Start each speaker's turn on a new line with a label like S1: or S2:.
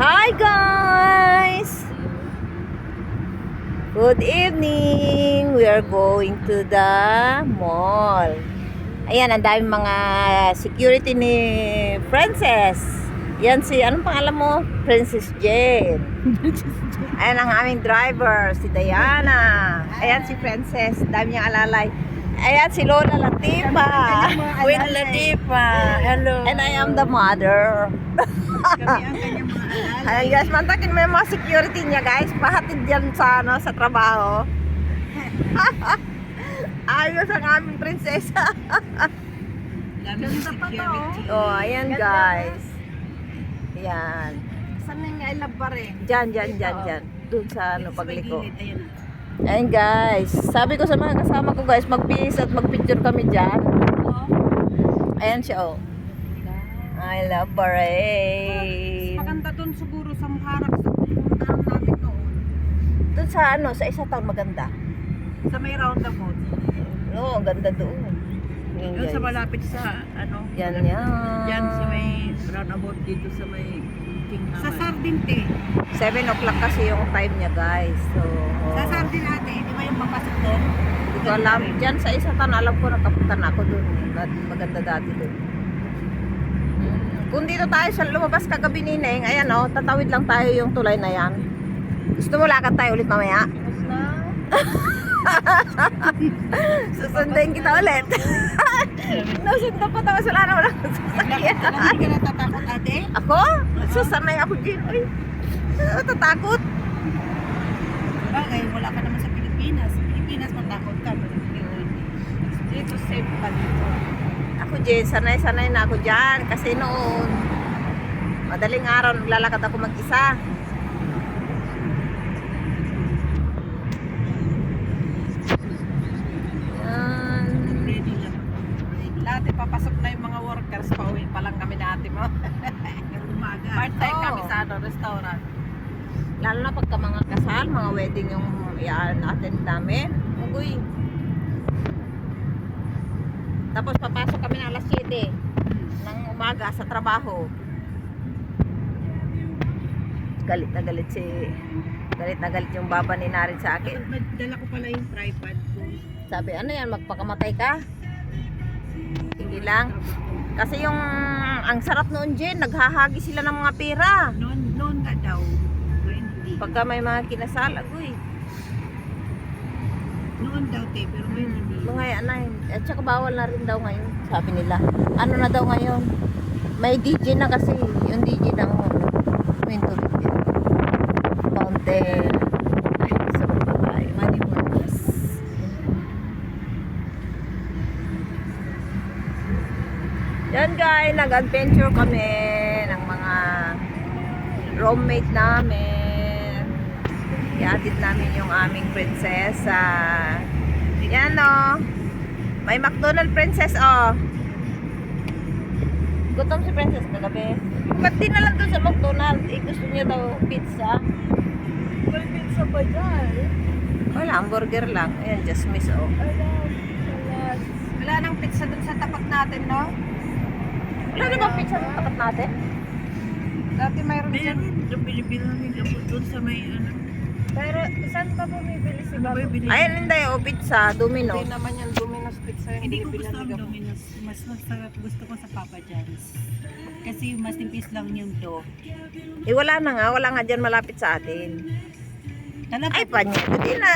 S1: Hi guys! Good evening! We are going to the mall. Ayan, ang daming mga security ni Princess. Yan si, anong pangalan mo? Princess Jane. Ayan ang aming driver, si Diana. Ayan si Princess, dami niyang alalay. Ayan si Lola Latifa.
S2: Queen Latifa. Hello.
S1: And I am the mother.
S2: Kami ang kanyang mga alalay.
S1: Ayan guys, mantakin mo yung mga security niya guys. Pahatid yan sa, sa trabaho. Ayos ang aming prinsesa.
S2: Dami ng security.
S1: Oh, ayan guys. Ayan.
S2: Saan na yung I love bar eh?
S1: Diyan. Doon sa
S2: Dito sa may
S1: pagliko.
S2: gilid, ayun.
S1: Ayan guys. Sabi ko sa mga kasama ko guys, mag-peace at mag-picture kami dyan. Ayan siya oh. I love Bahrain.
S2: Maganda doon siguro sa harap sa pupuntahan namin noon.
S1: Doon sa sa isa taon maganda.
S2: Sa may roundabout.
S1: Oo, ang ganda doon. Ayan,
S2: Doon sa
S1: guys.
S2: malapit sa
S1: Yan.
S2: Diyan sa may roundabout dito sa may King Sa Sardinte.
S1: 7 o'clock kasi yung time niya guys. So,
S2: Sa Sardine ate, di ba yung papasok doon?
S1: hindi ko alam. Diyan sa isa taon, alam ko nakapunta na ako doon. Maganda dati doon. Kung dito tayo sa lumabas kagabi ni Neng, ayan o, tatawid lang tayo yung tulay na yan. Gusto mo lakad tayo ulit mamaya? Susunduin kita ulit. Nasundan pa tayo, wala na walang sasakyan.
S2: Hindi ka natatakot ate?
S1: Ako? Susanay ako dyan. Ay, natatakot.
S2: Bagay, wala ka naman sa Pilipinas. Sa Pilipinas, matakot ka. Dito, safe pa dito.
S1: Ako dyan, sanay-sanay na ako dyan. Kasi noon, madaling araw, naglalakad ako mag-isa. Yan.
S2: Ready lang. Lahat papasok na yung mga workers. Pauwi pa lang kami na ate mo. Umaga. Part-time
S1: Oo.
S2: kami sa restaurant.
S1: Lalo na pagka mga kasal, mga wedding yung attend namin. Uy. Tapos papasok kami na alas 7 ng umaga sa trabaho. Galit na galit yung baba ni Narin sa akin.
S2: Dala ko pala yung tripod ko.
S1: Sabi, ano yan, magpakamatay ka? Hindi lang. Kasi yung, ang sarap noon Jen, naghahagi sila ng mga pera.
S2: Noon nga daw. Ngayon hindi.
S1: Pagka may mga kinasal, uy.
S2: Noon daw te, pero ngayon hindi.
S1: Mga at saka bawal na rin daw ngayon, sabi nila. Ano na daw ngayon? May DJ na kasi, yung DJ ng Winter Fountain. Ay, sabot pa tayo. Money Burgers. Yan guys, nag-adventure kami ng mga roommate namin. Iatid namin yung aming prinsesa. Yan o. May McDonald's princess o. Gutom si princess kagabi. Ba't di na lang doon sa McDonald's? Eh, gusto niya daw pizza.
S2: May pizza pa dyan.
S1: Wala, hamburger lang. Ayan, just miss o.
S2: Wala nang pizza dun sa tapat natin, no?
S1: Wala na bang pizza sa tapat natin?
S2: Dati mayroon dyan.
S3: Yung binibilang nila po doon sa may
S2: Pero saan ka bumibili si Bago?
S1: Ayun, hindi o, pizza, Domino's.
S2: Hindi naman yung Domino's Pizza.
S3: Hindi ko
S2: binibilan
S3: gusto ang
S2: ni Gabo.
S3: Domino's. Mas masarap gusto ko sa Papa John's. Kasi mas nipis lang yung dough.
S1: Eh, wala na nga. Wala nga dyan malapit sa atin.
S3: Talaga
S1: Ay, panya. Hindi na.